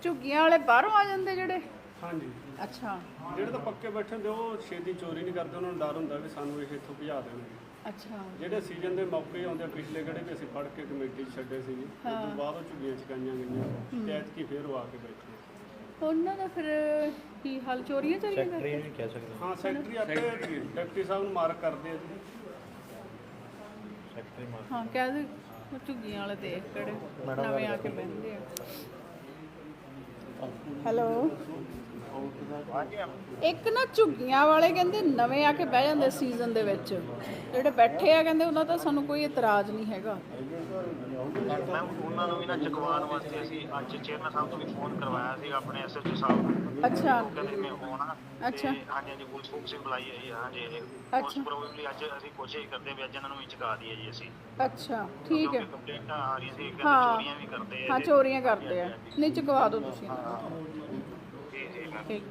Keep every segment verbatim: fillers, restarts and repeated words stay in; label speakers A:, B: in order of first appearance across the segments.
A: ਝੁੱਗੀਆਂ ਵਾਲੇ ਬਾਹਰੋਂ ਆ ਜਾਂਦੇ ਜਿਹੜੇ?
B: ਹਾਂਜੀ।
A: ਅੱਛਾ।
B: ਜਿਹੜੇ ਤਾਂ ਪੱਕੇ ਬੈਠੇ ਹੁੰਦੇ ਉਹ ਛੇਤੀ ਚੋਰੀ ਨਹੀਂ ਕਰਦੇ, ਉਹਨਾਂ ਨੂੰ ਡਰ ਹੁੰਦਾ ਵੀ ਸਾਨੂੰ ਇਹ ਇੱਥੋਂ ਭਜਾ ਦੇਣਗੇ।
A: ਅੱਛਾ।
B: ਜਿਹੜੇ ਸੀਜ਼ਨ ਦੇ ਮੌਕੇ ਆਉਂਦੇ ਪਿਛਲੇ ਕਿਹੜੇ ਵੀ ਅਸੀਂ ਫੜ ਕੇ ਕਮੇਟੀ 'ਚ ਛੱਡੇ ਸੀ ਜੀ, ਉਸ ਤੋਂ ਬਾਅਦ ਉਹ ਝੁੱਗੀਆਂ ਚਕਾਈਆਂ ਗਈਆਂ ਤੇ ਐਤਕੀ ਫੇਰ ਉਹ ਆ ਕੇ ਬੈਠੇ।
A: ਉਹਨਾਂ ਦਾ ਫਿਰ ਕੀ ਹਾਲ, ਚੋਰੀਆਂ ਚਾਰੀਆਂ ਕਰਦੇ?
C: ਸੈਕਟਰੀ ਵੀ ਕਹਿ ਸਕਦੇ
B: ਹਾਂ, ਸੈਕਟਰੀ ਆਪੇ ਡਿਪਟੀ ਸਾਹਿਬ ਨੂੰ ਮਾਰਕ ਕਰਦੇ ਆ ਜੀ।
C: ਸੈਕਟਰੀ ਮਾਰ
A: ਹਾਂ, ਕਹਿ ਦੇ ਝੁੱਗੀਆਂ ਵਾਲੇ ਦੇਖ ਕਿਹੜੇ ਨਵੇਂ ਆ ਕੇ ਬਹਿੰਦੇ ਆ। ਹੈਲੋ, ਇੱਕ ਨਾ ਝੁੱਗੀਆਂ ਵਾਲੇ ਕਹਿੰਦੇ ਨਵੇਂ ਆ ਕੇ ਬਹਿ ਜਾਂਦੇ ਸੀਜ਼ਨ ਦੇ ਵਿੱਚ, ਜਿਹੜੇ ਬੈਠੇ ਆ ਕਹਿੰਦੇ ਉਹਨਾਂ ਦਾ ਸਾਨੂੰ ਕੋਈ ਇਤਰਾਜ਼ ਨਹੀਂ ਹੈਗਾ।
D: ਮੈਮ ਉਹਨਾਂ ਨੂੰ ਵੀ ਨਾ ਚੁਕਵਾਉਣ ਵਾਸਤੇ ਅਸੀਂ ਅੱਜ ਚੇਅਰਮੈਨ ਸਾਹਿਬ ਤੋਂ ਵੀ ਫੋਨ ਕਰਵਾਇਆ ਸੀ ਆਪਣੇ ਐਸਐਚਓ ਸਾਹਿਬ ਨੂੰ।
A: ਅੱਛਾ।
D: ਉਹ ਕਹਿੰਦੇ ਮੈਂ ਆਉਣਾ।
A: ਅੱਛਾ।
D: ਹਾਂਜੀ ਹਾਂਜੀ, ਪੁਲਿਸ ਫੋਕਸ ਬੁਲਾਈ ਹੈ ਜੀ। ਹਾਂਜੀ, ਉਸ ਪ੍ਰੋਬਬਲੀ ਅੱਜ ਅਸੀਂ ਕੋਸ਼ਿਸ਼ ਕਰਦੇ ਵੀ ਅੱਜ ਇਹਨਾਂ ਨੂੰ ਵੀ ਚੁਕਾ ਦਈਏ ਜੀ ਅਸੀਂ।
A: ਅੱਛਾ, ਠੀਕ ਹੈ।
D: ਕੰਪਲੇਂਟਾਂ ਆ ਰਹੀਆਂ ਸੀ ਕਿ
A: ਹਾਂ
D: ਚੋਰੀਆਂ ਵੀ ਕਰਦੇ ਆ।
A: ਹਾਂ, ਚੋਰੀਆਂ ਕਰਦੇ ਆ। ਨਹੀਂ, ਚੁਕਵਾ ਦਿਓ ਤੁਸੀਂ।
D: ਜੀ ਜੀ ਮੈਮ।
A: ਠੀਕ।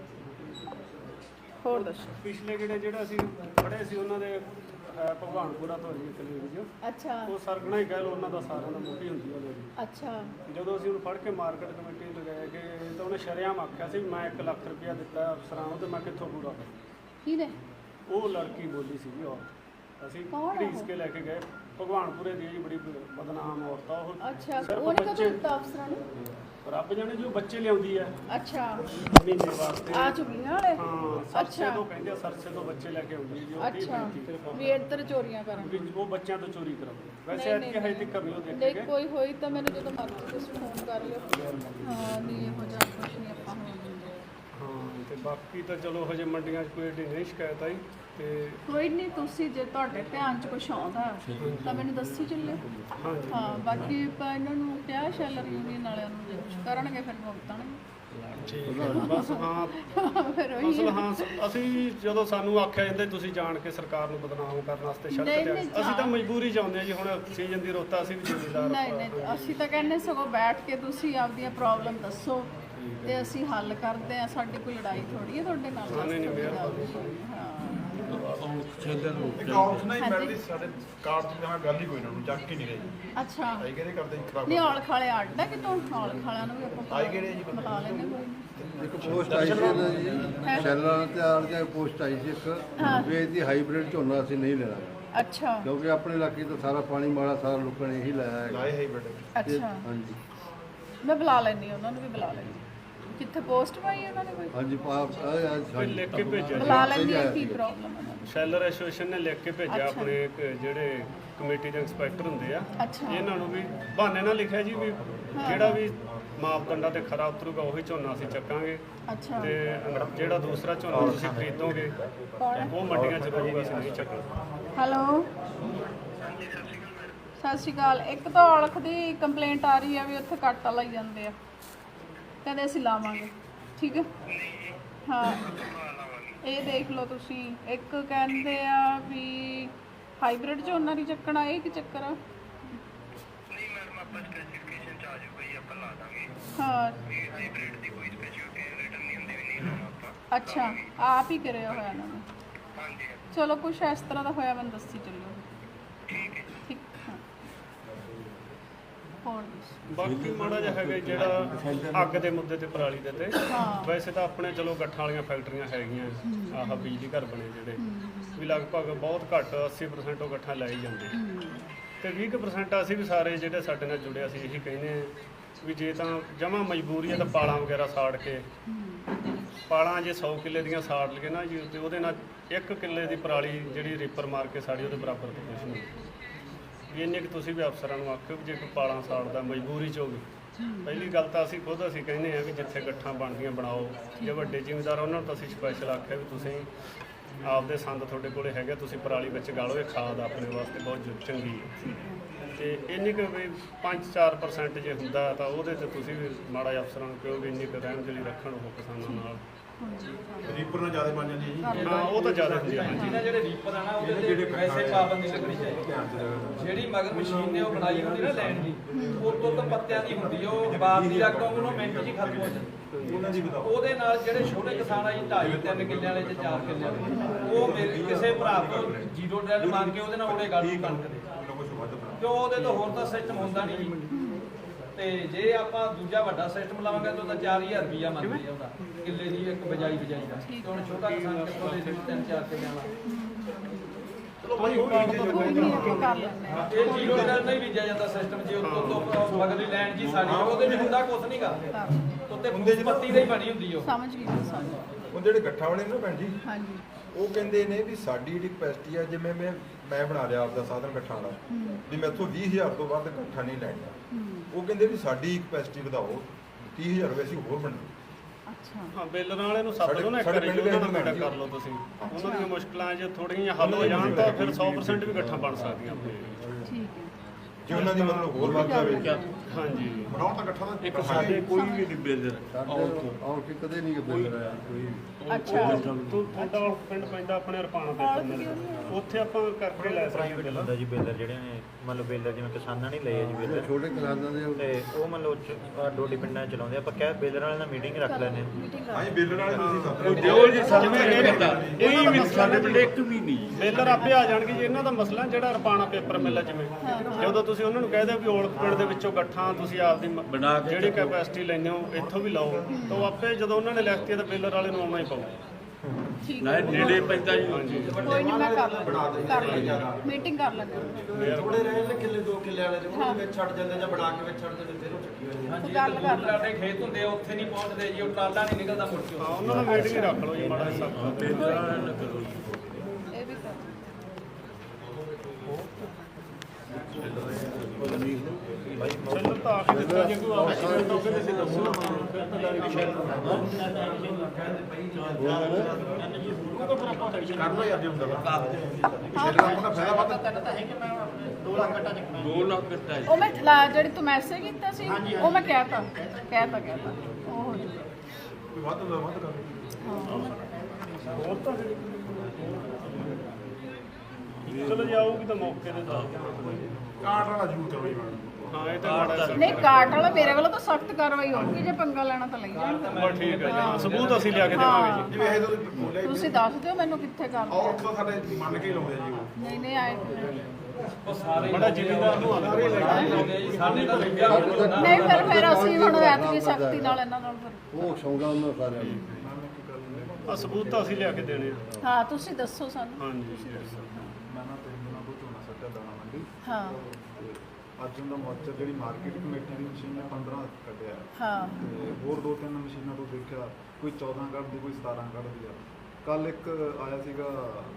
A: ਹੋਰ ਦੱਸੋ।
B: ਪਿਛਲੇ ਕਿਹੜੇ ਜਿਹੜਾ ਅਸੀਂ ਫੜੇ ਸੀ ਉਹਨਾਂ ਦੇ ਅਹ, ਭਗਵਾਨਪੁਰਾ ਤੋਂ ਜੀ ਕਲੀਗ ਜੀ,
A: ਅੱਛਾ।
B: ਉਹ ਸਰਗਣਾ ਹੀ ਕਹਿ ਲਓ, ਉਹਨਾਂ ਦਾ ਸਾਰਿਆਂ ਦਾ ਮੁੱਢੀ ਹੁੰਦੀ ਉਹਦੇ ਜੀ।
A: ਅੱਛਾ।
B: ਜਦੋਂ ਅਸੀਂ ਉਹਨੂੰ ਫੜ ਕੇ ਮਾਰਕੀਟ ਕਮੇਟੀ ਨੂੰ ਲਗਾਇਆ ਕਿ ਤਾਂ ਉਹਨੇ ਸ਼ਰੇਆਮ ਆਖਿਆ ਸੀ ਮੈਂ ਇੱਕ ਲੱਖ ਰੁਪਇਆ ਦਿੱਤਾ ਅਫਸਰਾਂ ਨੂੰ ਤੇ ਮੈਂ ਕਿੱਥੋਂ ਪੂਰਾ ਕਰਾਂ।
A: ਕਿਹਨੇ?
B: ਉਹ ਲੜਕੀ ਬੋਲੀ ਸੀਗੀ ਉਹ। ਅਸੀਂ
A: ਕੌਣ ਆ
B: ਘੜੀਸ
A: ਉਹ?
B: ਕੇ ਲੈ ਕੇ ਗਏ। ਭਗਵਾਨਪੁਰੇ ਦੀ ਜੀ ਬੜੀ ਬਦਨਾਮ ਔਰਤ ਆ ਉਹ।
A: ਅੱਛਾ,
B: ਸਿਰਫ
A: ਉਹਨੇ ਕਦੋਂ
B: ਬੱਚੇ-
A: ਦਿੱਤਾ ਅਫਸਰਾਂ ਨੂੰ?
B: ਰੱਬ ਜਾਣੇ ਜੋ ਬੱਚੇ ਲਿਆਉਂਦੀ ਹੈ
A: ਅੱਛਾ।
B: ਮਹੀਨੇ ਵਾਸਤੇ।
A: ਆ ਝੁੱਗੀਆਂ ਵਾਲੇ?
B: ਹਾਂ, ਸਰਸੇ
A: ਅੱਛਾ।
B: ਤੋਂ ਕਹਿੰਦੇ ਆ, ਸਰਸੇ ਤੋਂ ਬੱਚੇ ਲੈ ਕੇ ਆਉਂਦੀ ਹੈ ਜੀ ਉਹ।
A: ਅੱਛਾ, ਵੀ ਇੱਧਰ ਚੋਰੀਆਂ ਕਰਨ।
B: ਵੀ ਉਹ ਬੱਚਿਆਂ ਤੋਂ ਚੋਰੀ ਕਰਾਉਂਦੇ। ਵੈਸੇ
A: ਨਹੀਂ,
B: ਅੱਜ ਹਜੇ ਤੱਕ ਨਹੀਂ ਉਹ ਦੇਖੇ
A: ਨਹੀਂ,
B: ਗਏ।
A: ਕੋਈ ਹੋਈ ਤਾਂ ਮੈਨੂੰ ਜਦੋਂ ਮਰਜ਼ੀ ਤੁਸੀਂ ਫੋਨ ਕਰ ਲਿਓ। ਹਾਂ, ਨਹੀਂ ਇਹੋ ਜਿਹਾ ਕੁਛ ਨਹੀਂ ਆਪਾਂ ਹੋਣ ਦਿੰਦੇ।
B: ਹਾਂ, ਤੇ ਬਾਕੀ ਤਾਂ ਚਲੋ ਹਜੇ ਮੰਡੀਆਂ 'ਚ ਕੋਈ ਏਡੀ ਨਹੀਂ ਸ਼ਿਕਾਇਤ ਆਈ ਤੇ
A: ਕੋਈ ਨਹੀਂ, ਤੁਸੀਂ ਜੇ ਤੁਹਾਡੇ ਧਿਆਨ 'ਚ ਕੁਛ ਆਉਂਦਾ ਤਾਂ ਮੈਨੂੰ ਦੱਸੀ ਚੱਲਿਓ।
B: ਹਾਂਜੀ।
A: ਹਾਂ, ਬਾਕੀ ਆਪਾਂ ਇਹਨਾਂ ਨੂੰ ਕਿਹਾ ਸ਼ੈਲਰ ਯੂਨੀਅਨ ਵਾਲਿਆਂ ਨੂੰ ਜੇ ਕੁਛ ਕਰਨਗੇ ਫਿਰ ਭੁਗਤਣਗੇ।
B: ਠੀਕ ਹੈ। ਬਸ ਹਾਂ,
A: ਫਿਰ ਉਹੀ
B: ਅਸਲ ਹਾਂ ਅਸੀਂ ਜਦੋਂ ਸਾਨੂੰ ਆਖਿਆ ਜਾਂਦਾ ਤੁਸੀਂ ਜਾਣ ਕੇ ਸਰਕਾਰ ਨੂੰ ਬਦਨਾਮ ਕਰਨ ਵਾਸਤੇ ਸੜਕ
A: ਨਹੀਂ,
B: ਤੇ
A: ਨਹੀਂ,
B: ਅਸੀਂ ਤਾਂ ਮਜਬੂਰੀ ਚ ਆਉਂਦੇ ਹਾਂ ਜੀ। ਹੁਣ ਸੀਜ਼ਨ ਦੀ ਰੁੱਤ ਆ, ਅਸੀਂ ਵੀ ਜ਼ਿੰਮੇਦਾਰ
A: ਨਹੀਂ ਨਹੀਂ, ਅਸੀਂ ਤਾਂ ਕਹਿੰਦੇ ਸਗੋਂ ਬੈਠ ਕੇ ਤੁਸੀਂ ਆਪਦੀਆਂ ਪ੍ਰੋਬਲਮ ਦੱਸੋ ਤੇ ਅਸੀਂ ਹੱਲ ਕਰਦੇ ਆ। ਸਾਡੀ ਕੋਈ ਲੜਾਈ ਥੋੜੀ ਹੈ ਤੁਹਾਡੇ ਨਾਲ।
B: ਹਾਂ, ਨਹੀਂ, ਨਹੀਂ, ਮਿਹਰਬਾਨੀ।
A: ਹਾਂ।
E: ਇੱਕ ਆਪਸ਼ਨ ਨਹੀਂ ਮਿਲਦੀ ਸਾਡੇ ਕਾਰਡ ਦੀ ਤਾਂ ਗੱਲ ਹੀ ਕੋਈ ਨਾ ਨੂੰ ਚੱਕ ਹੀ ਨਹੀਂ ਰਹੀ।
A: ਅੱਛਾ।
E: ਆਈ ਕਿਹੜੇ ਕਰਦੇ ਖਰਾਬ
A: ਨਹੀਂ, ਔਲ ਖਾਲੇ ਅੱਡ ਹੈ ਕਿਤੋਂ? ਔਲ ਖਾਲਿਆਂ ਨੂੰ ਵੀ ਆਪਾਂ
E: ਆਈ ਕਿਹੜੇ ਜੀ?
A: ਬੁਲਾ ਲੈਂਦੇ ਕੋਈ ਨਹੀਂ।
F: ਇੱਕ ਪੋਸਟ ਆਈ ਸੀ ਨਾ ਜੀ, ਸ਼ੈਲਰਾਂ ਤੇ ਆਲ ਜਾਂ ਪੋਸਟ ਆਈ ਸੀ ਇੱਕ ਵੀ ਇਹਦੀ ਹਾਈਬ੍ਰਿਡ ਝੋਨਾ ਅਸੀਂ ਨਹੀਂ ਲੈਣਾ,
A: ਅੱਛਾ।
F: ਕਿਉਂਕਿ ਆਪਣੇ ਇਲਾਕੇ ਤਾਂ ਸਾਰਾ ਪਾਣੀ ਮਾੜਾ, ਸਾਰਾ ਲੋਕਾਂ ਨੇ ਇਹੀ ਲਾਇਆ ਹੈ।
E: ਲਾਏ ਹੈ ਬੇਟੇ।
A: ਅੱਛਾ,
F: ਹਾਂਜੀ
A: ਮੈਂ ਬੁਲਾ ਲੈਂਦੀ ਉਹਨਾਂ ਨੂੰ ਵੀ ਬੁਲਾ ਲੈਂਦੀ। ਕਿੱਥੇ ਪੋਸਟ ਪਾਈ ਉਹਨਾਂ ਨੇ ਕੋਈ?
F: ਹਾਂਜੀ, ਪਾਪ
B: ਕੋਈ ਲਿਖ ਕੇ ਭੇਜਿਆ
A: ਬੁਲਾ ਲੈਂਦੀ ਹੈ, ਕੀ ਪ੍ਰੋਬਲਮ ਹੈ ਉਹਨਾਂ
B: ਸ਼ੈਲਰ ਐਸੋਸੀਏਸ਼ਨ ਨੇ ਲਿਖ ਕੇ ਭੇਜਿਆ
A: ਅੱਛਾ।
B: ਆਪਣੇ ਇੱਕ ਜਿਹੜੇ ਕਮੇਟੀ ਦੇ ਇੰਸਪੈਕਟਰ ਹੁੰਦੇ ਆ
A: ਅੱਛਾ।
B: ਇਹਨਾਂ ਨੂੰ ਵੀ ਬਹਾਨੇ ਨਾਲ ਲਿਖਿਆ ਜੀ ਵੀ ਜਿਹੜਾ ਵੀ ਮਾਪਦੰਡਾਂ ਤੇ ਖਰਾ ਉਤਰੂਗਾ ਉਹੀ ਝੋਨਾ ਅਸੀਂ ਚੱਕਾਂਗੇ
A: ਅੱਛਾ।
B: ਤੇ ਜਿਹੜਾ ਦੂਸਰਾ ਝੋਨਾ ਤੁਸੀਂ ਖਰੀਦੋਗੇ ਉਹ ਮੰਡੀਆਂ 'ਚ ਰਹੂਗਾ, ਅਸੀਂ ਨਹੀਂ ਚੱਕਣਾ।
A: ਹੈਲੋ, ਸਤਿ ਸ਼੍ਰੀ ਅਕਾਲ। ਇੱਕ ਤਾਂ ਔਲਖ ਦੀ ਕੰਪਲੇਂਟ ਆ ਰਹੀ ਹੈ ਵੀ ਉੱਥੇ ਕੱਟ ਲਾਈ ਜਾਂਦੇ ਆ, ਕਹਿੰਦੇ ਅਸੀਂ ਲਾਵਾਂਗੇ। ਠੀਕ ਹੈ। ਹਾਂ, ਇਹ ਦੇਖ ਲਓ ਤੁਸੀਂ। ਇੱਕ ਕਹਿੰਦੇ ਆ ਵੀ ਹਾਈਬ੍ਰਿਡ ਝੋਨਾ ਨਹੀਂ ਚੱਕਣਾ, ਇਹ ਕੀ ਚੱਕਰ ਆ?
D: ਨਹੀਂ ਮੈਡਮ, ਆਪਾਂ ਸਪੈਸੀਫਿਕੇਸ਼ਨ ਚ ਆ ਜਾਊਗਾ ਜੀ, ਆਪਾਂ ਲਾ ਦਾਂਗੇ।
A: ਹਾਂ,
D: ਇਹ ਹਾਈਬ੍ਰਿਡ ਦੀ ਕੋਈ ਸਪੈਸੀਫਿਕੇਸ਼ਨ ਰਿਟਨ ਨਹੀਂ ਹੁੰਦੀ, ਵੀ ਨਹੀਂ ਲਾਉਣਾ ਆਪਾਂ।
A: ਅੱਛਾ, ਆਪ ਹੀ ਕਰਿਆ ਹੋਇਆ ਇਹਨਾਂ ਨੇ।
D: ਹਾਂਜੀ
A: ਚਲੋ, ਕੁਛ ਇਸ ਤਰ੍ਹਾਂ ਦਾ ਹੋਇਆ ਮੈਨੂੰ ਦੱਸੀ ਚੱਲਿਓ।
D: ਠੀਕ ਹੈ।
A: ਠੀਕ। ਹਾਂ, ਹੋਰ ਦੱਸੋ।
B: ਬਾਕੀ ਮਾੜਾ ਜਿਹਾ ਹੈਗਾ ਜਿਹੜਾ ਅੱਗ ਦੇ ਮੁੱਦੇ ਤੇ ਪਰਾਲੀ ਦੇ ਤੇ
A: ਹਾਂ।
B: ਵੈਸੇ ਤਾਂ ਆਪਣੇ ਚਲੋ ਗੱਠਾਂ ਵਾਲੀਆਂ ਫੈਕਟਰੀਆਂ ਹੈਗੀਆਂ, ਆਹ ਬਿਜਲੀ ਘਰ ਬਣੇ ਜਿਹੜੇ ਵੀ ਲਗਭਗ ਬਹੁਤ ਘੱਟ ਅੱਸੀ ਪਰਸੈਂਟ ਉਹ ਗੱਠਾਂ ਲੈ ਹੀ ਜਾਂਦੇ ਤੇ ਵੀਹ ਕੁ ਪਰਸੈਂਟ ਅਸੀਂ ਵੀ ਸਾਰੇ ਜਿਹੜੇ ਸਾਡੇ ਨਾਲ ਜੁੜੇ ਅਸੀਂ ਇਹੀ ਕਹਿੰਦੇ ਆ ਵੀ ਜੇ ਤਾਂ ਜਮਾਂ ਮਜਬੂਰੀ ਹੈ ਤਾਂ ਪਾਲਾਂ ਵਗੈਰਾ ਸਾੜ ਕੇ, ਪਾਲਾਂ ਜੇ ਸੌ ਕਿੱਲੇ ਦੀਆਂ ਸਾੜ ਲਈਏ ਨਾ ਜੀ ਤੇ ਉਹਦੇ ਨਾਲ ਇੱਕ ਕਿੱਲੇ ਦੀ ਪਰਾਲੀ ਜਿਹੜੀ ਰੀਪਰ ਮਾਰ ਕੇ ਸਾੜੀ ਉਹਦੇ ਬਰਾਬਰ ਦੀ ਕੁਛ ਨਹੀਂ। ਵੀ ਇੰਨੇ ਕਿ ਤੁਸੀਂ ਵੀ ਅਫਸਰਾਂ ਨੂੰ ਆਖਿਓ ਵੀ ਜੇ ਕੋਈ ਪਾਲਾਂ ਸਾੜਦਾ ਮਜਬੂਰੀ 'ਚ ਹੋਵੇ, ਪਹਿਲੀ ਗੱਲ ਤਾਂ ਅਸੀਂ ਖੁਦ ਅਸੀਂ ਕਹਿੰਦੇ ਹਾਂ ਵੀ ਜਿੱਥੇ ਗੱਠਾਂ ਬਣਦੀਆਂ ਬਣਾਓ। ਜੇ ਵੱਡੇ ਜ਼ਿਮੀਂਦਾਰ ਉਹਨਾਂ ਨੂੰ ਤਾਂ ਅਸੀਂ ਸਪੈਸ਼ਲ ਆਖਿਆ ਵੀ ਤੁਸੀਂ ਆਪਦੇ ਸੰਦ ਤੁਹਾਡੇ ਕੋਲੇ ਹੈਗੇ, ਤੁਸੀਂ ਪਰਾਲੀ ਵਿੱਚ ਗਾਲੋ, ਇਹ ਖਾਦ ਆਪਣੇ ਵਾਸਤੇ ਬਹੁਤ ਚੰਗੀ ਹੈ। ਤੇ ਇੰਨੀ ਕੁ ਵੀ ਪੰਜ ਚਾਰ ਪਰਸੈਂਟ ਜੇ ਹੁੰਦਾ ਤਾਂ ਉਹਦੇ 'ਤੇ ਤੁਸੀਂ ਵੀ ਮਾੜਾ ਜਿਹਾ ਅਫਸਰਾਂ ਨੂੰ ਕਹੋ ਵੀ ਇੰਨੀ ਕੁ ਰਹਿਣ ਜਿਹੜੀ ਰੱਖਣ ਉਹ ਕਿਸਾਨਾਂ ਨਾਲ।
E: ਰੀਪਰ ਨਾਲ ਜ਼ਿਆਦਾ ਬਣ ਜਾਂਦੀ ਹੈ ਜੀ।
B: ਹਾਂ, ਉਹ ਤਾਂ ਜ਼ਿਆਦਾ ਹੁੰਦੀ ਹੈ। ਹਾਂਜੀ,
G: ਇਹਨਾਂ ਜਿਹੜੇ ਰੀਪਰ ਆ ਨਾ ਉਹਦੇ ਤੇ ਵੈਸੇ ਪਾਬੰਦੀ ਲੱਗਣੀ ਚਾਹੀਦੀ। ਜਿਹੜੀ ਮਗਰ ਮਸ਼ੀਨ ਨੇ ਉਹ ਬਣਾਈ ਹੁੰਦੀ ਨਾ ਲੈਣ ਦੀ, ਉਹ ਤੋਂ ਤਾਂ ਪੱਤਿਆਂ ਦੀ ਹੁੰਦੀ, ਉਹ ਬਾਦ ਦੀ ਲੱਗ ਉਹਨੂੰ ਮਿੰਟ 'ਚ ਹੀ ਖਤਮ ਹੋ ਜਾਂਦੀ।
E: ਉਹਨਾਂ ਦੀ ਬਤਾਓ।
G: ਉਹਦੇ ਨਾਲ ਜਿਹੜੇ ਛੋਟੇ ਕਿਸਾਨ ਆ ਜੀ ਢਾਈ ਤਿੰਨ ਕਿੱਲਿਆਂ ਵਾਲੇ ਤੇ ਚਾਰ ਕਿੱਲਿਆਂ ਵਾਲੇ, ਉਹ ਮੇਰੇ ਕਿਸੇ ਭਰਾ ਤੋਂ ਜ਼ੀਰੋ ਡੈਲ ਮੰਗ ਕੇ ਉਹਦੇ ਨਾਲ ਉਹਦੇ ਗੱਲ ਕਣਕ ਦੇ,
E: ਉਹਨਾਂ ਕੁਝ ਵੱਧ ਬਣਾ।
G: ਕਿਉਂ ਉਹਦੇ ਤੋਂ ਹੋਰ ਤਾਂ ਸਿਸਟਮ ਹੁੰਦਾ ਨਹੀਂ ਜੀ। ਤੇ ਜੇ ਆਪਾਂ ਦੂਜਾ ਵੱਡਾ ਸਿਸਟਮ ਲਾਵਾਂਗੇ ਤਾਂ ਉਹਦਾ ਚਾਰ ਹਜ਼ਾਰ ਰੁਪਈਆ ਮੰਗਦੇ ਆ ਉਹਦਾ ਕਿੱਲੇ ਦੀ ਇੱਕ ਬਜਾਈ ਬਜਾਈ ਦਾ ਤੇ ਹੁਣ ਛੋਟਾ ਕਿਸਾਨ ਕਿੱਥੋਂ ਦੇ ਦੇ ਤਿੰਨ ਚਾਰ ਕਿੱਲਿਆਂ ਵਾਲਾ
A: ਕੋਈ ਨਹੀਂ ਆਪਾਂ ਕਰ ਲੈਂਦੇ ਹਾਂ।
G: ਇਹ ਜੀਰੋ ਨਾਲ ਨਹੀਂ ਬੀਜਿਆ ਜਾਂਦਾ ਸਿਸਟਮ ਜੇ ਉੱਤੋਂ ਤੋਂ ਅਗਲੀ ਲੈਣ ਜੀ ਸਾਡੀ ਉਹਦੇ ਵਿੱਚ ਹੁੰਦਾ ਕੁਛ ਨਹੀਂ ਗਾ ਉੱਤੇ ਹੁੰਦੇ ਪੱਤੀ ਦੀ ਬਣੀ ਹੁੰਦੀ ਉਹ
A: ਸਮਝ ਗਈ ਮੈਂ, ਸਮਝ ਗਈ।
E: ਉਹ ਜਿਹੜੇ ਗੱਠਾ ਵਾਲੇ ਨੇ ਨਾ ਭੈਣ ਜੀ,
A: ਹਾਂਜੀ
E: ਉਹ ਕਹਿੰਦੇ ਨੇ ਵੀ ਸਾਡੀ ਜਿਹੜੀ ਕਪੈਸਿਟੀ ਆ, ਜਿਵੇਂ ਮੈਂ ਮੈਂ ਬਣਾ ਲਿਆ ਆਪਦਾ ਸਾਧਨ ਗੱਠਾਂ ਦਾ, ਵੀ ਮੈਥੋਂ ਵੀਹ ਹਜ਼ਾਰ ਤੋਂ ਵੱਧ ਗੱਠਾ ਨਹੀਂ ਲੈਣਾ। ਉਹ ਕਹਿੰਦੇ ਵੀ ਸਾਡੀ ਕਪੈਸਿਟੀ ਵਧਾਓ, ਤੀਹ ਹਜ਼ਾਰ ਰੁਪਏ ਅਸੀਂ ਹੋਰ ਬਣਾਓ।
A: ਅੱਛਾ
B: ਹਾਂ ਬੇਲਰਾਂ ਵਾਲੇ ਨੂੰ ਸੱਦ ਲਓ ਨਾ ਇੱਕ ਵਾਰੀ, ਉਹਨਾਂ ਨਾਲ ਮੀਟਿੰਗ ਕਰ ਲਓ ਤੁਸੀਂ। ਉਹਨਾਂ ਦੀਆਂ ਮੁਸ਼ਕਲਾਂ ਜੇ ਥੋੜ੍ਹੀਆਂ ਹੱਲ ਹੋ ਜਾਣ ਤਾਂ ਫਿਰ ਸੌ ਪ੍ਰਸੈਂਟ ਵੀ ਇਕੱਠਾ ਬਣ ਸਕਦੀਆਂ ਆਪਣੇ ਏਰੀਏ 'ਚ।
A: ਠੀਕ ਹੈ।
E: ਜੇ ਉਹਨਾਂ ਦੀ ਮਤਲਬ ਹੋਰ ਵੱਧ ਜਾਵੇ,
B: ਹਾਂਜੀ
E: ਬਣਾਓ ਤਾਂ ਗੱਠਾ ਦਾ
B: ਇੱਕ ਸਾਡੇ ਕੋਈ ਵੀ ਨਹੀਂ ਬੇਲਰ
F: ਸਾਡੇ ਆਉਂ ਕਿ ਕਦੇ ਨਹੀਂ ਬੇਲਰ ਆਇਆ ਕੋਈ।
A: ਅੱਛਾ
B: ਤੂੰ ਤੁਹਾਡਾ ਉਹ ਪਿੰਡ ਪੈਂਦਾ ਆਪਣੇ ਰਪਾਣਾ ਦੇ ਉੱਥੇ ਆਪਾਂ ਕਰਕੇ ਲੈ ਸਕਦੇ ਬਿੱਲ।
D: ਹੁੰਦਾ ਜੀ ਬੇਲਰ ਜਿਹੜੇ ਨੇ ਮਤਲਬ ਬੇਲਰ ਜਿਵੇਂ ਕਿਸਾਨਾਂ ਨੇ ਲਏ ਆ ਜੀ ਬੇਲਰ
F: ਛੋਟੇ ਕਿਸਾਨਾਂ ਦੇ
D: ਤੇ ਉਹ ਮਤਲਬ ਡੋਡੀ ਪਿੰਡਾਂ 'ਚ ਚਲਾਉਂਦੇ ਆ। ਆਪਾਂ ਕਹਿ ਬੇਲਰ ਵਾਲਿਆਂ ਨਾਲ ਮੀਟਿੰਗ ਰੱਖ ਲੈਂਦੇ ਹਾਂ।
A: ਮੀਟਿੰਗ ਕਰ
E: ਹਾਂਜੀ ਬੇਲਰ ਵਾਲੇ ਤੁਸੀਂ ਸੱਦ ਲਓ।
B: ਦਿਓ ਜੀ ਸਾਨੂੰ ਇਹ ਵੀ ਸਾਡੇ ਪਿੰਡ ਇੱਕ ਵੀ ਨਹੀਂ ਬੇਲਰ ਆਪੇ ਆ ਜਾਣਗੇ ਜੀ। ਇਹਨਾਂ ਦਾ ਮਸਲਾ ਜਿਹੜਾ ਰਪਾਣਾ ਪੇਪਰ ਮਿਲ ਜਿਵੇਂ ਜਦੋਂ ਤੁਸੀਂ ਉਹਨਾਂ ਨੂੰ ਕਹਿ ਦਿਓ ਵੀ ਔਲਖ ਪਿੰਡ ਦੇ ਵਿੱਚੋਂ ਗੱਠਾਂ ਤੁਸੀਂ ਆਪਦੀ ਮ- ਜਿਹੜੀ ਕੈਪੈਸਿਟੀ ਲੈਂਦੇ ਹੋ ਇੱਥੋਂ ਵੀ ਲਾਓ, ਤਾਂ ਉਹ ਆਪੇ ਜਦੋਂ ਉਹਨਾਂ ਨੇ ਲਿਖਤੀ ਤਾਂ ਬੇਲਰ ਵਾਲੇ ਨੂੰ ਆਉਣਾ ਹੀ ਪਊ।
A: ਠੀਕ
B: ਨਾ ਨੇੜੇ ਪੈਂਦਾ ਜੀ। ਹਾਂਜੀ
A: ਕੋਈ ਨਹੀਂ ਮੈਂ ਕਰ ਲੈਂਦੀ ਕਰ ਲੈਂਦੀ ਮੀਟਿੰਗ ਕਰ ਲੈਂਦੀ
C: ਥੋੜੇ ਰਹੇ ਨੇ ਕਿੱਲੇ ਦੋ ਕਿੱਲੇ ਵਾਲੇ ਤੇ ਉਹਨੂੰ ਵਿੱਚ ਛੱਡ ਜਾਂਦੇ ਜਾਂ ਬਣਾ ਕੇ ਵਿੱਚ ਛੱਡ ਦਿੰਦੇ ਫਿਰ ਉਹ ਚੱਕੀ ਹੋਈ
G: ਹਾਂਜੀ
A: ਗੱਲ ਕਰ
G: ਦੂਰ ਲਾਡੇ ਖੇਤ ਹੁੰਦੇ ਆ ਉੱਥੇ ਨਹੀਂ ਪਹੁੰਚਦੇ ਜੀ ਉਹ ਟਰਾਲਾ ਨਹੀਂ ਨਿਕਲਦਾ ਮੁੜ ਕੇ
B: ਹਾਂ ਉਹਨਾਂ ਨਾਲ ਮੀਟਿੰਗ ਰੱਖ ਲਓ ਜੀ ਮਾੜਾ ਜਿਹਾ ਸਭ
A: ਇਹ ਵੀ ਕਰ
B: ਚੱਲੋ ਤਾਂ ਆ ਕੇ ਦਿੱਤਾ ਜੇ ਕੋਈ ਆവശ്यकता ਤਾਂ ਫਿਰ ਅਸੀਂ ਦੱਸੋ।
A: ਉਹ ਮੈਂ ਲਾ- ਜਿਹੜੀ ਤੂੰ ਮੈਸੇਜ ਕੀਤਾ ਸੀ ਉਹ ਮੈਂ ਕਹਿਤਾ ਕਹਿਤਾ ਕਹਿਤਾ ਉਹ ਹੋ ਜਾਊਗਾ।
E: ਕੋਈ ਵੱਧ ਹੁੰਦਾ ਵੱਧ ਕਰ।
B: ਹੋਰ ਤਾਂ ਚਲੋ ਜੇ ਆਊਗੀ ਤਾਂ ਮੌਕੇ ਤੇ ਦੱਸ
E: ਕਾਟ ਵਾਲਾ ਜ਼ਰੂਰ ਕਰੋ ਜੀ ਮੈਡਮ।
B: ਹਾਂ ਇਹ ਤਾਂ ਮਾੜਾ ਜਿਹਾ
A: ਨਹੀਂ ਕਾਟ ਵਾਲਾ ਮੇਰੇ ਵੱਲੋਂ ਤਾਂ ਸਖਤ ਕਾਰਵਾਈ ਹੋਊਗੀ। ਜੇ ਪੰਗਾ ਲੈਣਾ ਤਾਂ ਲਈ ਜਾਣ
B: ਬਸ ਠੀਕ ਹੈ ਜੀ ਹਾਂ ਸਬੂਤ ਅਸੀਂ ਲਿਆ ਕੇ ਦੇਵਾਂਗੇ ਜੀ।
E: ਜਿਵੇਂ ਇਹ ਤੁਸੀਂ ਬੋਲਿਆ ਹੀ
A: ਤੁਸੀਂ ਦੱਸ ਦਿਓ ਮੈਨੂੰ ਕਿੱਥੇ ਕਰਨਾ
E: ਔਰ ਤਾਂ ਸਾਡੇ ਮੰਨ ਕੇ ਹੀ ਲਾਉਂਦੇ ਆ ਜੀ ਉਹ।
A: ਨਹੀਂ ਨਹੀਂ ਆਏ
G: ਉਹ ਸਾਰੇ
B: ਬੜਾ ਜ਼ਿਮੀਂਦਾਰ ਨੂੰ ਆਉਂਦਾ
G: ਲਾਉਂਦੇ ਆ ਜੀ ਸਾਡੇ ਤਾਂ ਲੱਗਿਆ ਹੋਣਾ
A: ਨਹੀਂ ਫਿਰ ਫਿਰ ਅਸੀਂ ਹੁਣ ਐਤਕੀ ਸਖਤੀ ਨਾਲ ਇਹਨਾਂ ਨਾਲ ਫਿਰ
F: ਉਹ ਸੌਂਦਾ ਉਹਨਾਂ ਸਾਰਿਆਂ ਨੂੰ।
B: ਆ ਸਬੂਤ ਤਾਂ ਅਸੀਂ ਲਿਆ ਕੇ ਦੇਣੇ ਆ।
A: ਹਾਂ ਤੁਸੀਂ ਦੱਸੋ ਸਾਨੂੰ
B: ਹਾਂਜੀ
E: ਮੈਂ ਨਾ ਤਿੰਨ ਦਿਨਾਂ ਤੋਂ ਝੋਨਾ ਸੱਟਿਆ ਦਾਣਾ ਮੰਡੀ
A: ਹਾਂ
E: ਤੇ ਅੱਜ ਉਹਦਾ ਮੋਰਚਾ ਜਿਹੜੀ ਮਾਰਕੀਟ ਕਮੇਟੀ ਦੀ ਮਸ਼ੀਨ ਨੇ ਪੰਦਰਾਂ ਕੱਢਿਆ
A: ਹਾਂ
E: ਤੇ ਹੋਰ ਦੋ ਤਿੰਨ ਮਸ਼ੀਨਾਂ ਤੋਂ ਦੇਖਿਆ ਕੋਈ ਚੌਦਾਂ ਕੱਢਦੀ ਕੋਈ ਸਤਾਰਾਂ ਕੱਢਦੀ ਆ। ਕੱਲ ਇੱਕ ਆਇਆ ਸੀਗਾ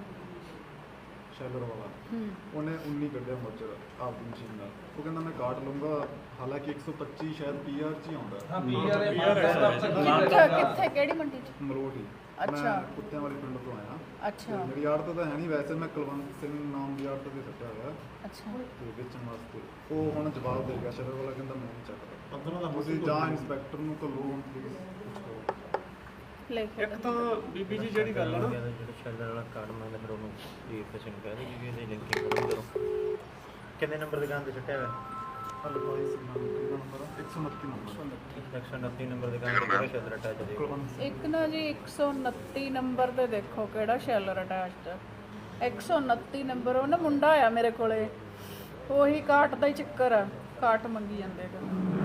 E: ਸ਼ੈਲਰ ਵਾਲਾ,
A: ਹੂੰ
E: ਉਹਨੇ ਉੱਨੀ ਕੱਢਿਆ ਮੋਰਚਾ ਆਪਦੀ ਮਸ਼ੀਨ ਨਾਲ। ਉਹ ਕਹਿੰਦਾ ਮੈਂ ਕਾਟ ਲਊਂਗਾ, ਹਾਲਾਂਕਿ ਇੱਕ ਸੌ ਪੱਚੀ ਸ਼ਾਇਦ ਪੀ ਆਰ 'ਚ ਹੀ ਆਉਂਦਾ
G: ਹਾਂ ਪੀਆਰ ਇਹ
A: ਕਿੱਥੇ ਕਿੱਥੇ ਕਿਹੜੀ ਮੰਡੀ ਚ
E: ਮਲੋਟ ਹੀ।
A: ਅੱਛਾ।
E: ਮੈਂ ਕੁੱਤਿਆਂ ਵਾਲੇ ਪਿੰਡ ਤੋਂ ਆਇਆ
A: ਅੱਛਾ
E: ਤੇ ਮੇਰੀ ਆੜਤ ਤਾਂ ਹੈ ਨਹੀਂ, ਵੈਸੇ ਮੈਂ ਕੁਲਵੰਤ ਸਿੰਘ ਨਾਮ ਦੀ ਆੜਤ ਤੇ ਸੱਟਿਆ ਹੋਇਆ
A: ਅੱਛਾ
E: ਤੇ ਵੇਚਣ ਵਾਸਤੇ। ਉਹ ਹੁਣ ਜਵਾਬ ਦੇ ਗਿਆ ਸ਼ਹਿਰ ਵਾਲਾ, ਕਹਿੰਦਾ ਮੈਂ ਨਹੀਂ ਚੱਕਦਾ। ਤੁਸੀਂ ਜਾਂ ਇੰਸਪੈਕਟਰ ਨੂੰ ਘੱਲੋ ਹੁਣ ਪਲੀਜ਼ ਕੁਛ ਕਰੋ।
A: ਲੈ ਕੇ
B: ਇੱਕ ਤਾਂ ਬੀਬੀ ਜੀ ਜਿਹੜੀ ਗੱਲ ਆ ਨਾ
D: ਜਿਹੜਾ ਸ਼ੈਲਰ ਵਾਲਾ ਕਾਰਡ ਮੰਗਦਾ ਫਿਰ ਉਹਨੂੰ ਜੀ ਕਿਸੇ ਨੂੰ ਕਹਿ ਦੇ ਵੀ ਇਹਦੀ ਲਿੰਕਿੰਗ ਕਰੋ ਕਰੋ। ਕਿੰਨੇ ਨੰਬਰ ਦੁਕਾਨ ਤੇ ਛੱਟਿਆ ਹੋਇਆ?
E: ਹਲੋ ਭਾਈ ਸੀ ਨੰਬਰ ਇੱਕ ਸੌ ਉਨੱਤੀ ਨੰਬਰ
D: ਇੱਕ ਸੌ ਉਨੱਤੀ ਨੰਬਰ ਦੁਕਾਨ ਤੇ ਕਿਹੜਾ ਸ਼ੈਲਰ ਅਟੈਚ ਹੈ?
E: ਕੁਲਵੰਤ
A: ਇੱਕ ਨਾ ਜੀ ਇੱਕ ਸੌ ਉਨੱਤੀ ਨੰਬਰ ਤੇ ਦੇਖੋ ਕਿਹੜਾ ਸ਼ੈਲਰ ਅਟੈਚਡ ਹੈ। ਇੱਕ ਸੌ ਉਨੱਤੀ ਨੰਬਰ ਉਹ ਨਾ ਮੁੰਡਾ ਆਇਆ ਮੇਰੇ ਕੋਲੇ, ਉਹੀ ਕਾਟ ਦਾ ਹੀ ਚੱਕਰ ਆ, ਕਾਟ ਮੰਗੀ ਜਾਂਦੇ ਹੈਗੇ।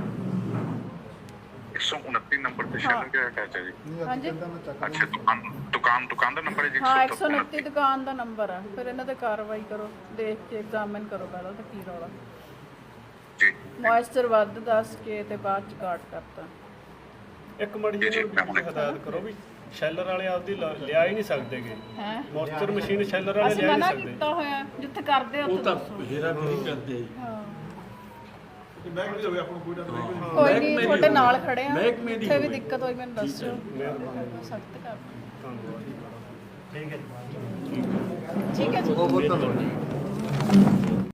H: एक सौ उनतीस नंबर पे शैलर क्या अटैच है जी?
E: ਨਹੀਂ ਅੱਜ
A: ਹਾਂਜੀ।
E: ਕਹਿੰਦਾ ਮੈਂ ਚੱਕ
H: अच्छा दुकान दुकान दुकान का नंबर है जी
A: ਹਾਂ ਇੱਕ
H: एक
A: ਸੌ
H: सौ
A: ਉਨੱਤੀ ਦੁਕਾਨ ਦਾ ਨੰਬਰ ਆ। ਫਿਰ ਇਹਨਾਂ ਤੇ ਕਾਰਵਾਈ ਕਰੋ, ਦੇਖ ਕੇ ਐਗਜ਼ਾਮਿਨ ਕਰੋ ਪਹਿਲਾਂ ਤਾਂ ਕੀ ਰੌਲਾ।
H: जी
A: ਮੋਇਸਚਰ ਵੱਧ ਦੱਸ ਕੇ ਤੇ ਬਾਅਦ ਚ ਕਾਟ ਕਰਤਾ।
B: ਇੱਕ ਮੜੀ ਜੀ ਨੂੰ ਹਦਾਇਤ ਕਰੋ ਵੀ ਸ਼ੈਲਰ ਵਾਲੇ ਆਪਦੀ ਲ- ਲਿਆ ਹੀ ਨਹੀਂ ਸਕਦੇਗੇ।
A: ਹੈ
B: ਮੋਇਸਚਰ ਮਸ਼ੀਨ ਸ਼ੈਲਰ ਵਾਲੇ
A: ਅਸੀਂ
B: ਲਿਆ ਹੀ
A: ਮਨਾ
B: ਨਹੀਂ ਸਕਦੇ।
A: ਕੀਤਾ ਹੋਇਆ ਜਿੱਥੇ ਕਰਦੇ ਆ ਉੱਥੇ ਦੱਸੋ।
B: ਹੇਰਾ ਫੇਰੀ ਕਰਦੇ ਜੀ।
A: ਹਾਂ
E: ਬੈਗ ਵੀ ਹੋਵੇ ਆਪਾਂ ਨੂੰ ਕੋਈ ਡਰ ਨਹੀਂ।
A: ਕੋਈ ਨਹੀਂ ਤੁਹਾਡੇ ਨਾਲ ਖੜੇ ਆ, ਜਿੱਥੇ ਵੀ ਦਿੱਕਤ ਹੋਈ ਮੈਨੂੰ ਦੱਸਿਓ, ਸਖਤ ਕਰ
B: ਧੰਨਵਾਦ।
D: ਠੀਕ ਹੈ ਜੀ।
A: ਠੀਕ ਹੈ ਜੀ।
F: ਬਹੁਤ ਬਹੁਤ ਧੰਨਵਾਦ।